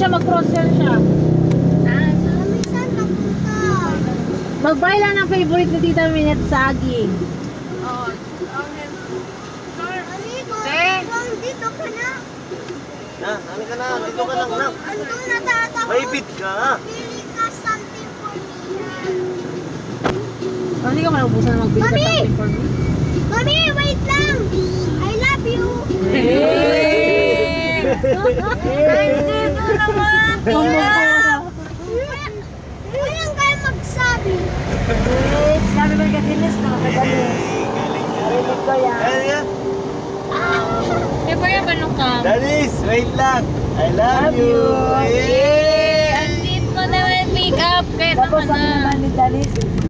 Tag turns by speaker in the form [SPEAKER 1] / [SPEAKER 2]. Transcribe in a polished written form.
[SPEAKER 1] siya, mag-cross-sell siya.
[SPEAKER 2] Saan napunta?
[SPEAKER 1] Mag-buy lang ng favorite ni Tita Minette, saging.
[SPEAKER 2] Amigo,
[SPEAKER 1] Eh?
[SPEAKER 2] dito ka na.
[SPEAKER 3] Ano ka na? Dito ka lang na.
[SPEAKER 2] Andun na tatakot.
[SPEAKER 3] Maipit ka.
[SPEAKER 2] Pili ka something for me.
[SPEAKER 1] Hindi ka malubusan na magbili ka
[SPEAKER 2] Mami!
[SPEAKER 1] something for me.
[SPEAKER 2] Mami, wait lang. I love you. Ay, dito naman. Walang kayo magsabi.
[SPEAKER 1] Sabi ko kay Dilis na kapagalis. Narinig ko yan.
[SPEAKER 3] Ayan.
[SPEAKER 1] Eh, ba yan banong ka?
[SPEAKER 3] Danis, wait lang. I love you.
[SPEAKER 1] Eh, ang sweet mo naman, pick up. Kaya naman na.
[SPEAKER 4] ni Dalis.